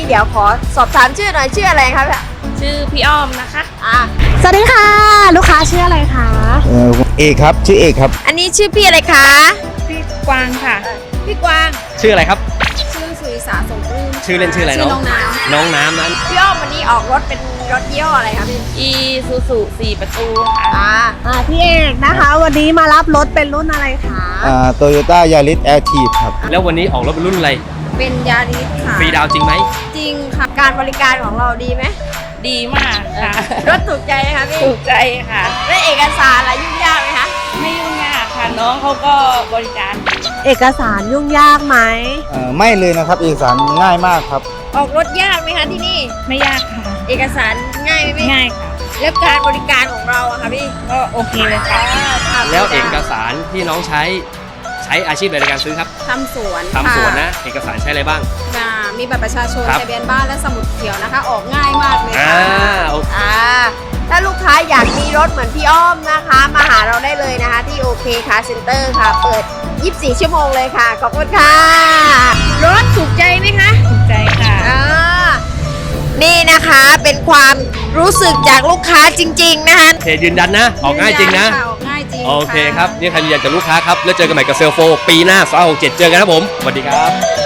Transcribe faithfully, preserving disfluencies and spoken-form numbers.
เดี๋ยวขอสอบถามชื่อหน่อยชื่ออะไรครับชื่อพี่อ้อมนะคะอ่ะสวัสดีค่ะ ลูกค้าชื่ออะไรคะเออเอกครับชื่อเอกครับอันนี้ชื่อพี่อะไรคะพี่กวางค่ะพี่กวางชื่ออะไรครับชื่อสุริสาสมปลื้มชื่อเล่นชื่ออะไรชื่อน้น้ออง งน้น้องน้ำนั้นำพี่อ้อมวันนี้ออกรถเป็นรถยี่ห้ออะไรครับพี่อีซูซูสี่ประตูค่ะอ่าอ่าพี่เอกนะคะ วันนี้มารับรถเป็นรุ่นอะไรคะอ่าโตโยต้ายาริสแอร์ทีครับแล้ววันนี้ออกรถเป็นรุ่นอะไรเป็นยาริสค่ะฟรีดาวจริงไหมจริงค่ะการบริการของเราดีไหมดีมากค่ะรถถูกใจไหมคะพี่ถูกใจค่ะและเอกสารอะไรยุ่งยากไหมคะไม่ยุ่งยากค่ะ น้องเขาก็บริการดีเอกสารยุ่งยากไหมเอ่อไม่เลยนะครับเอกสารง่ายมากครับออกรถยากไหมคะที่นี่ไม่ยากค่ะเอกสารง่ายไหมพี่ง่ายค่ะแล้วการบริการของเราอะค่ะพี่ก็โอเคเลยค่ะแล้วเอกสารที่น้องใช้ใช้อาชีพอะไรในการซื้อครับทำสวนทำสวนค่นะ เอกสารใช้อะไรบ้างอ่ามีบัตรประชาชนครับทะเบียนบ้านและสมุดเขียวนะคะ ออกง่ายมากเลยอ่าค่ะโอเคอ่าถ้าลูกค้าอยากมีรถเหมือนพี่อ้อมนะคะ มาหาเราได้เลยนะคะ ที่โอเคคาร์เซ็นเตอร์ค่ะ เปิด ยี่สิบสี่ ชั่วโมงเลยค่ะ ขอบคุณค่ะ รถถูกใจไหมคะถูกใจค่ะอ่านี่นะคะเป็นความรู้สึกจากลูกค้าจริง ๆ นะคะโอเคยืนยันนะ ออกง่ายจริงนะออกง่ายจริงโอเคครับ นี่ใครยืนยันจากลูกค้าครับ แล้วเจอกันใหม่กับเซลโฟปีหน้าสองหกเจ็ดเจอกันครับผม สวัสดีครับ